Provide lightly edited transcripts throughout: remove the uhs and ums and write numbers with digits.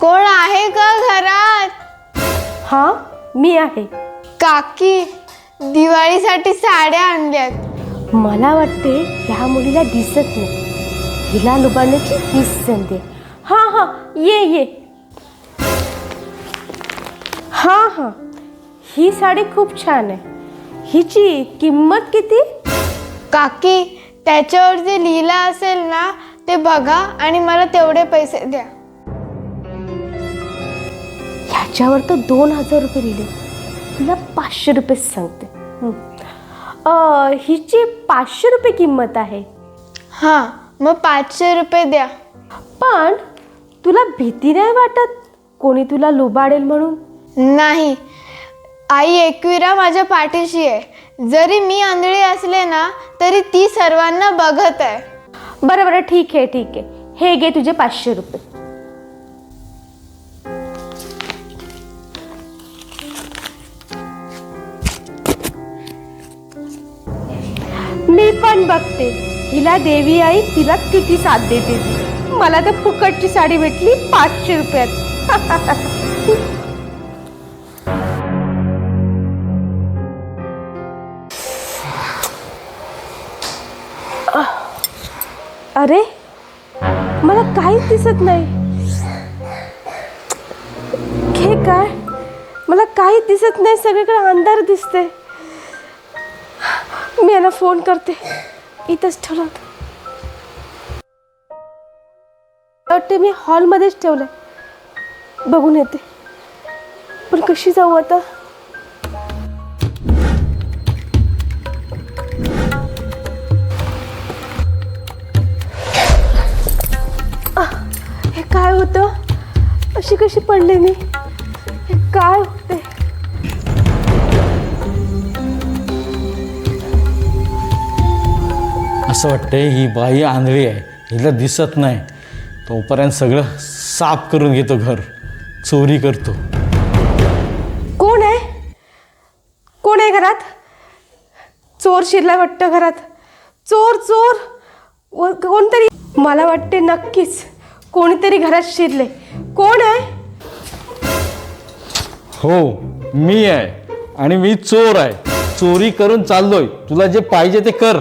कोण आहे का घरात? हां, मी आहे. काकी, दिवाळीसाठी साड्या आणल्यात. मला वाटते ह्या मुलीला दिसत नाही. हिला लुबाडण्याची हीच संधी. हां हां, ये. हां, ही साडी खूप छान आहे. हिची किंमत किती? काकी, त्याच्यावर जे लिहिलं असेल ना ते बघा आणि मला तेवढे पैसे द्या. ह्याच्यावर तर 2000 रुपये लिहिले. तुला 500 रुपये सांगते. हिची 500 रुपये किंमत आहे. हां, मग 500 रुपये द्या. पण तुला भीती नाही वाटत कोणी तुला लुबाडेल म्हणून? नाही, आई एकविरा माझ्या पाठीशी आहे. जरी मी आंधळी असले ना तरी ती सर्वांना बघत आहे. बरं, ठीक आहे. हे घे तुझे 500 रुपये. मी पण बघते हिला देवी आई तिला किती साथ देते. मला तर फुकटची साडी भेटली 500 रुपयात. अरे, मला काहीच दिसत नाही. हे काय? मला काहीच दिसत नाही. सगळीकडे अंधार दिसते. मी यांना फोन करते. इथंच ठेवला होता. वाटते मी हॉलमध्येच ठेवलंय. बघून येते. पण कशी जाऊ आता? हे काय होतं? अशी कशी पडले मी? हे काय होते? असं वाटतंय ही बाई आंधळी आहे, हिला दिसत नाही. तोपर्यंत सगळं साफ करून घेतो, घर चोरी करतो. कोण आहे घरात? चोर शिरला वाटतं घरात. चोर कोणतरी. मला वाटते नक्कीच कोणीतरी घरात शिरले. कोण आहे? हो, मी आहे आणि मी चोर आहे. चोरी करून चाललोय. तुला जे पाहिजे ते कर.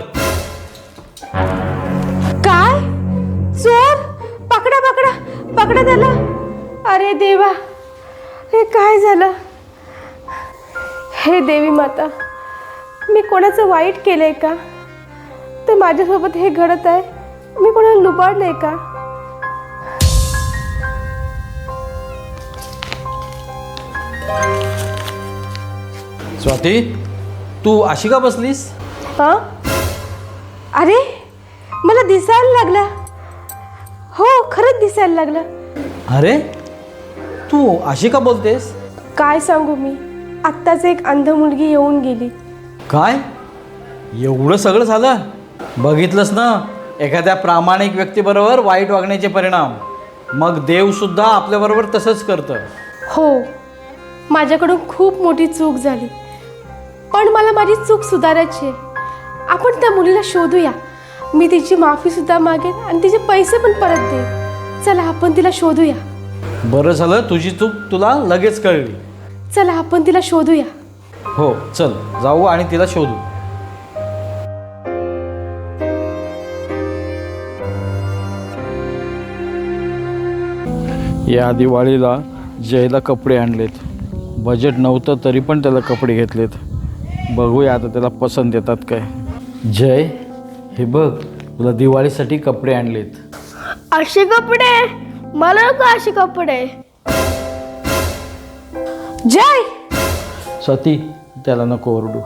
काय? चोर? पकडा त्याला. अरे देवा, हे काय झालं? हे देवी माता, मी कोणाचं वाईट केलंय का? तर माझ्यासोबत हे घडत आहे. मी कोणाला लुबाडलंय का? स्वाती, तू अशी का बसलीस? हां, अरे मला दिसायला लागला. हो, खरंच दिसायला लागलं. अरे, तू अशी का बोलतेस? काय सांगू मी. आत्ताच एक अंध मुलगी येऊन गेली. काय? एवढं सगळं झालं? बघितलंस ना, एखाद्या प्रामाणिक व्यक्तीबरोबर वाईट वागण्याचे परिणाम. मग देवसुद्धा आपल्याबरोबर तसंच करतं. हो, माझ्याकडून खूप मोठी चूक झाली. पण मला माझी चूक सुधारायची आहे. आपण त्या मुलीला शोधूया. मी तिची माफीसुद्धा मागेन आणि तिचे पैसे पण परत देईन. चला, आपण तिला शोधूया. बरं झालं तुझी चूक तुला लगेच कळली. चला, आपण तिला शोधूया. हो, चल जाऊ आणि तिला शोधू. या दिवाळीला जयला कपडे आणलेत. बजेट नव्हतं तरी पण त्याला कपडे घेतलेत. बघूया आता त्याला पसंत येतात काय. जय, हे बघ, तुला दिवाळीसाठी कपडे आणलेत. असे कपडे? मला नको असे कपडे. जय, स्वाती, त्याला नको ओरडू.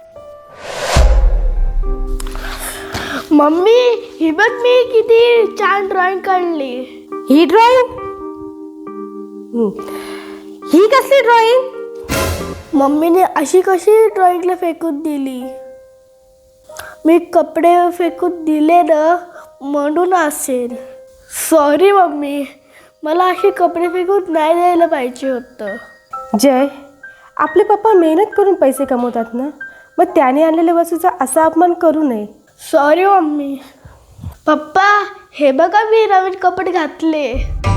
मम्मी, ही बघ मी किती छान ड्रॉइंग काढली. ही ड्रॉइंग? ही कसली ड्रॉइंग? मम्मीने अशी कशी ड्रॉइंगला फेकून दिली? मी कपडे फेकून दिले ना म्हणून असेल. सॉरी मम्मी, मला असे कपडे फेकून नाही द्यायला पाहिजे होतं. जय, आपले पप्पा मेहनत करून पैसे कमवतात ना, मग त्याने आणलेल्या वस्तूचा असा अपमान करू नये. Sorry mummy. पप्पा, हे बघा मी नवीन कपडे घातले.